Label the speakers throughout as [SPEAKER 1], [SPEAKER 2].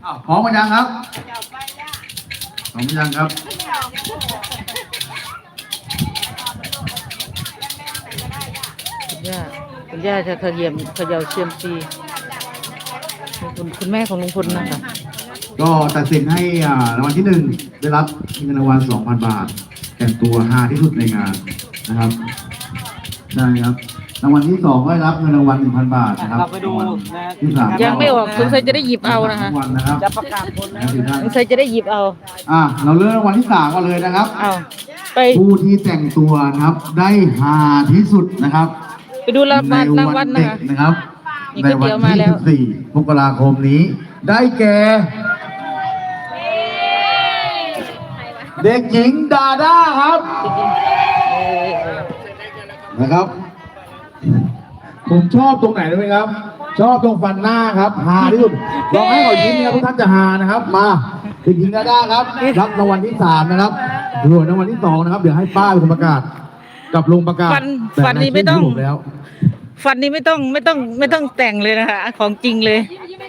[SPEAKER 1] พร้อมกันยังครับพร้อมยังครับ
[SPEAKER 2] คุณย่าจะเขย่าเซียมซีคุณแม่ของลุงพลนะคะ
[SPEAKER 1] ก็ตัดสินให้รางวัลที่หนึ่งได้รับเงินรางวัล 2,000 บาทแต่งตัวฮาที่สุดในงานนะครับใช่ครับรางวัลที่2ก็ได้รับเงินรางวัล 1,000 บาทนะครับ
[SPEAKER 3] เราไปดู
[SPEAKER 1] ที่3
[SPEAKER 2] ยังไม่ออกสงสัยจะได้หยิบเอานะคะ
[SPEAKER 3] จะประกาศผลแล้ว
[SPEAKER 2] สงสัยจะได้หยิบเอา
[SPEAKER 1] เราเริ่มรางวัลที่3กันเลยนะครับ
[SPEAKER 2] ไป
[SPEAKER 1] ผู้ที่แต่งตัวนะครับได้ฮาที่สุดนะครับ
[SPEAKER 2] ไปดูรางวัล
[SPEAKER 1] นะครับในวันที่14 มกราคมนี้ได้แก่เด็กหญิงดาด้าครับนะครับผมชอบตรงไหนรู้ไหมครับชอบตรงฟันหน้าครับฮาที่สุดลองให้เขายิ้มนะครับทุกท่านจะฮานะครับมาเด็กหญิงดาด้าครับรับรางวัลที่3นะครับส่วนรางวัลที่2นะครับเดี๋ยวให้ป้าเป็นคนประกาศกับลุงประกาศ
[SPEAKER 2] ฟันนี้ไม่ต้องฟันนี้ไม่ต้องแต่งเลยนะคะของจริงเลย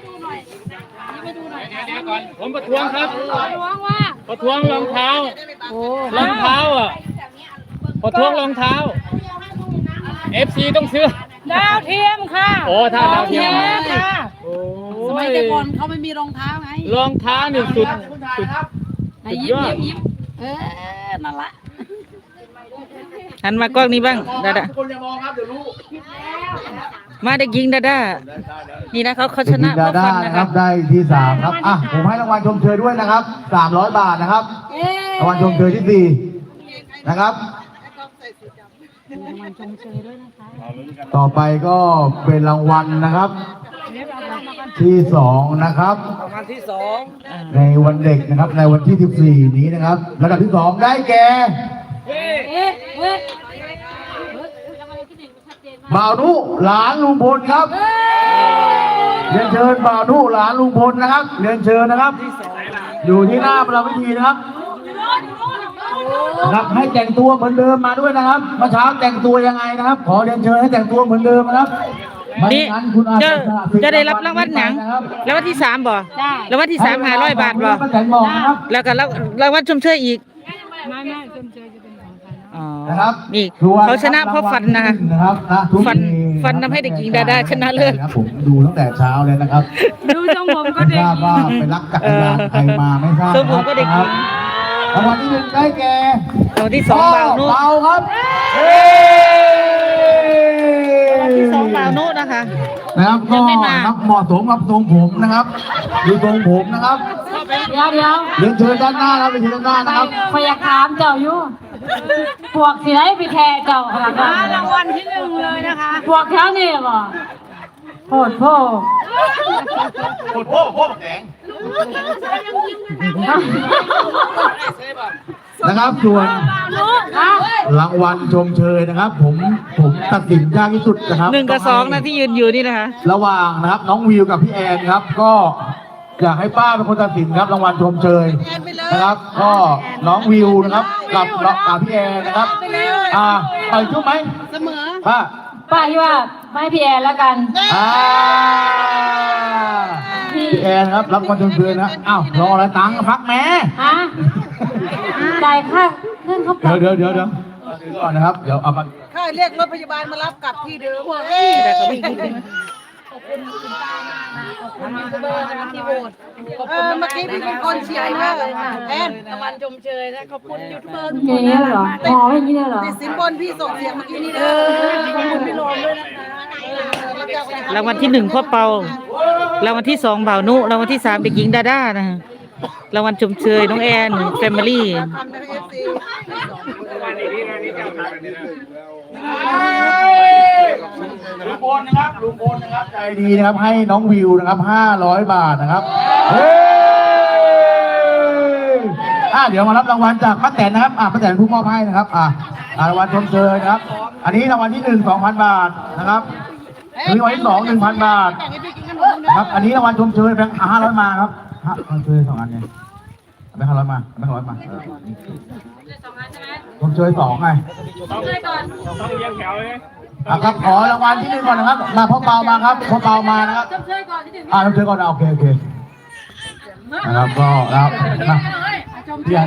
[SPEAKER 3] ผมประท้วงครับประท้วงรองเท้ารองเท้าประท้วงรองเท้า FC ต้องซื้อ
[SPEAKER 4] ดาวเทียมค่ะ
[SPEAKER 3] โอ้ถ้าดาวเทียม
[SPEAKER 4] ค่ะสมัยแต่ก่อนเขาไม่มีรองเท้าไง
[SPEAKER 3] รองเท้านี่สุด
[SPEAKER 4] ยิ้มนั่นละ
[SPEAKER 2] หันมากล้องนี้บ้างดาดามาเด็กหญิงดาดานี่นะเขาชนะ
[SPEAKER 1] ดาดานะครับได้ที่3ครับผมให้รางวัลชมเชยด้วยนะครับ300 บาทนะครับรางวัลชมเชยที่4นะครับต่อไปก็เป็นรางวัลนะครับที่2นะครับ
[SPEAKER 3] รางวัลที่2
[SPEAKER 1] ในวันเด็กนะครับในวันที่14นี้นะครับระดับที่2ได้แก่บ่าวนุหลานลุงพลครับเรียนเชิญบ่าวนุหลานลุงพลนะครับเรียนเชิญนะครับอยู่ที่หน้าประวิธีนะครับให้แต่งตัวเหมือนเดิมมาด้วยนะครับเมื่อเช้าแต่งตัวยังไงนะครับขอเรียนเชิญให้แต่งตัวเหมือนเดิมนะครับ
[SPEAKER 2] นี่จะได้รับรางวัลหนังรางวัลที่3บ่รางวัลที่3 500 บาทบ่แล้วก็รางวัลชมเชยอีก
[SPEAKER 4] ไม่ชมเชยจะเป็นของใคร
[SPEAKER 1] นะครับ
[SPEAKER 2] นี่เขาชนะเพราะฟันนะคะฟันทำให้เด็กหญิงดาด้าชนะเลย
[SPEAKER 1] ผมดูตั้งแต่เช้าเลยนะครับ
[SPEAKER 4] ดูทรงผมก็เด็ก
[SPEAKER 1] ทราบว่าไปรักจักรยานใครมาไม่ทราบ
[SPEAKER 2] ทรงผมก็เด็กหญิง
[SPEAKER 1] รางวัลที่1ได้แก่
[SPEAKER 2] รางวัลที่2บ่าวนุ
[SPEAKER 1] ครับรางวั
[SPEAKER 2] ลที่2บ่าวนุนะคะ
[SPEAKER 1] นะครับก็ครับเหมาะสมกับทรงผมนะครับดูทรงผมนะครับ
[SPEAKER 4] เดี๋ยว
[SPEAKER 1] เรียนเชิญด้านหน้าครับเรียนเชิญด้านหน้านะครับ
[SPEAKER 4] พยากรามเจ้าอยู่พวกสิได้ไปแทเจ้าค่ะรางวัลที่1เลยนะคะพวกแถวนี้บ่โหดโผ
[SPEAKER 1] แดงนะครับส่วนรางวัลชมเชยนะครับผมตัดสินยากที่สุดนะครับ
[SPEAKER 2] 1 กับ 2นะที่ยืนอยู่นี่นะคะ
[SPEAKER 1] ระหว่างนะครับน้องวิวกับพี่แอนครับก็อยากให้ป้าเป็นคนตัดสินครับรางวัลชมเชยนะครับก็น้องวิวนะครับกับพี่แอนนะครับไปชุบไหม
[SPEAKER 4] เสมอ
[SPEAKER 1] ป้า
[SPEAKER 4] ที่ว่าไม่พี่แอนแล้วกัน
[SPEAKER 1] พี่แอนครับรับรางวัลชมเชยนะรออะไรตังค์พักแม่
[SPEAKER 4] จ่ายค่าขึ้นเขา
[SPEAKER 1] เดี๋ยวก่อนนะครับเดี๋ยวเอามา
[SPEAKER 4] ค่าเรียกรถพยาบาลมารับกลับที่เดิมขอบคุณคุณป้ามากนะขอบคุณยูทูบเบอร์นะคะที่โหวตเมื่อกี้พี่เป็นคนเชียร์มากเลยค่ะแอนรางวัลชมเชยนะขอบคุณยูทูบเบอร์ทุกคนนะเหรอพอไม่ยี่เหรอติดสินบนพี่ส่งเสียงเมื่อกี้นี่นะขอบคุณพี่โรมด้วยนะคะ
[SPEAKER 2] รางวัลที่1พ่อเปารางวัลที่2บ่าวนุรางวัลที่3เด็กหญิงดาด้านะรางวัลชมเชยน้องแอนแฟมิลี่
[SPEAKER 1] ลุงพลนะครับใจดีนะครับให้น้องวิวนะครับ500 บาทนะครับเดี๋ยวมารับรางวัลจากป้าแตนนะครับป้าแตนผู้มอบให้นะครับรางวัลชมเชยนะครับอันนี้รางวัลที่1 2,000 บาทนะครับรางวัลที่2 1,000 บาทครับอันนี้รางวัลชมเชยแบงค์500มาครับชมเชย2 อันไงแบงค์500มาแบงค์500มาชมเชย2ไง
[SPEAKER 4] ต้อง
[SPEAKER 3] เรียงแถวเลย
[SPEAKER 1] ครับขอรางวัลที่1ก่อนนะครับมาพ่อเปามาครับพ่อเปามานะครับชมเชยก่อนที่1ชมเชยก่อนโอเคนะครับก็นะครับพี่